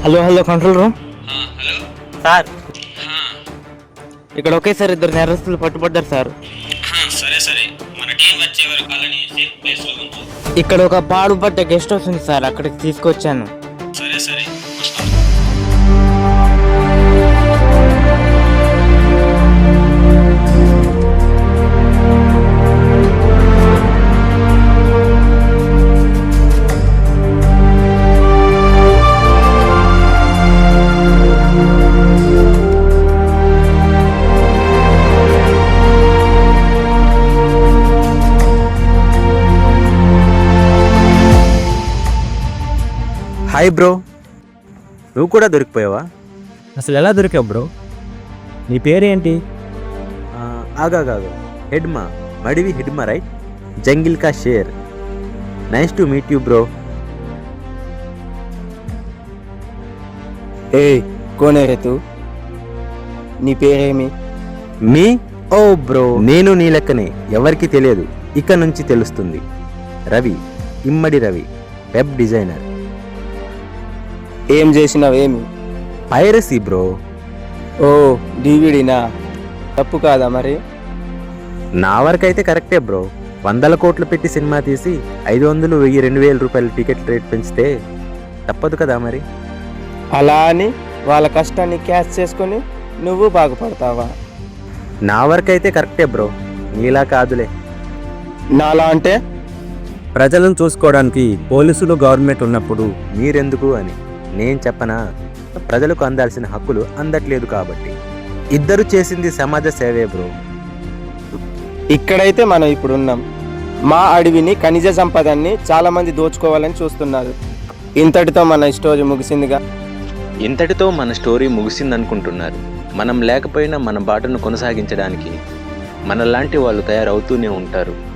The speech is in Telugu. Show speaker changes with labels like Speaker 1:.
Speaker 1: Hello hello control room
Speaker 2: hello
Speaker 1: sir. ఇక్కడ ఒకేసారి 2 నేరస్తులు పట్టుబడ్డారు సార్.
Speaker 2: సరే సరే, మన టీం వచ్చే వరకు వాళ్ళని సేఫ్ ప్లేస్ లో ఉంచు.
Speaker 1: ఇక్కడ ఒక పాడుపడ్డ గెస్ట్ హౌస్ ఉంది సార్, అక్కడికి తీసుకొచ్చాను.
Speaker 2: సరే సరే.
Speaker 3: హాయ్ బ్రో, నువ్వు కూడా దొరికిపోయావా?
Speaker 4: అసలు ఎలా దొరికావు బ్రో? నీ పేరేంటి?
Speaker 3: ఆగాగాగా, హెడ్మా, మడివి హెడ్మా రైట్? జంగిల్ కా షేర్. Nice to meet you bro.
Speaker 5: ఏ కోనే రే తూ? నీ పేరేమి?
Speaker 3: మీ? ఓ బ్రో, నేను నీ లెక్కనే, ఎవరికి తెలియదు, ఇక నుంచి తెలుస్తుంది. Ravi, Immadi Ravi, web designer.
Speaker 5: ఏం చేసినావేమి?
Speaker 3: Piracy bro.
Speaker 5: ఓ డివిడీనా? తప్పు కాదా మరి?
Speaker 3: నా వరకైతే కరెక్టే బ్రో. 100 కోట్లు పెట్టి సినిమా తీసి 500, 1000, 2000 రూపాయలు టికెట్ రేట్ పెంచితే తప్పదు కదా మరి.
Speaker 5: అలా అని వాళ్ళ కష్టాన్ని క్యాష్ చేసుకొని నువ్వు బాగుపడతావా?
Speaker 3: నా వరకైతే కరెక్టే బ్రో, నీలా కాదులే.
Speaker 5: నాలా అంటే?
Speaker 4: ప్రజలను చూసుకోవడానికి పోలీసులు గవర్నమెంట్ ఉన్నప్పుడు
Speaker 3: మీరెందుకు అని నేను చెప్పనా? ప్రజలకు అందాల్సిన హక్కులు అందట్లేదు కాబట్టి. ఇద్దరు చేసింది సమాజ సేవే బ్రో.
Speaker 5: ఇక్కడైతే మనం ఇప్పుడు ఉన్నాం. మా అడవిని, ఖనిజ సంపదన్ని చాలా మంది దోచుకోవాలని చూస్తున్నారు. ఇంతటితో మన స్టోరీ ముగిసిందిగా.
Speaker 3: ఇంతటితో మన స్టోరీ ముగిసిందనుకుంటున్నారు. మనం లేకపోయినా మన బాటను కొనసాగించడానికి మనలాంటి వాళ్ళు తయారవుతూనే ఉంటారు.